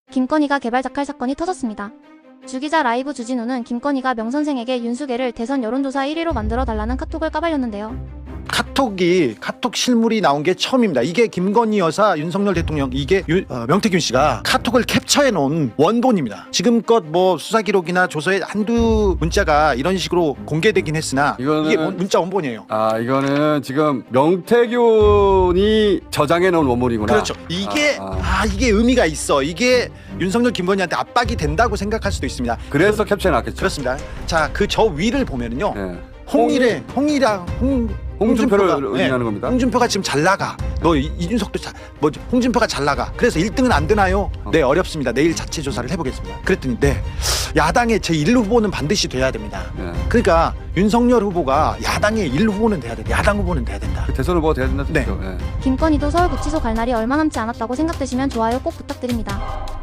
김건희가 개발자칼 사건이 터졌습니다. 주기자 라이브 주진우는 김건희가 명선생에게 윤수계를 대선 여론조사 1위로 만들어 달라는 카톡을 까발렸는데요. 카톡 실물이 나온 게 처음입니다. 이게 김건희 여사, 윤석열 대통령, 이게 명태균 씨가 카톡을 캡처해 놓은 원본입니다. 지금껏 뭐 수사 기록이나 조서에 한두 문자가 이런 식으로 공개되긴 했으나 이게 문자 원본이에요. 아, 이거는 지금 명태균이 저장해 놓은 원본이구나. 그렇죠. 이게 이게 의미가 있어. 이게 윤석열 김건희한테 압박이 된다고 생각할 수도 있습니다. 그래서 캡처해 놨겠죠. 그렇습니다. 자, 그 저 위를 보면은요. 네. 홍준표를 의미하는 겁니다. 홍준표가 지금 잘 나가. 너 이준석도 홍준표가 잘 나가. 그래서 1등은 안 되나요? 네, 어렵습니다. 내일 자체 조사를 해보겠습니다. 그랬더니 네, 야당의 제1 후보는 반드시 돼야 됩니다. 네. 그러니까 윤석열 후보가 야당의 1 후보는 돼야 된다. 야당 후보는 돼야 된다. 대선 후보가 돼야 된다. 네. 네. 김건희도 서울구치소 갈 날이 얼마 남지 않았다고 생각되시면 좋아요 꼭 부탁드립니다.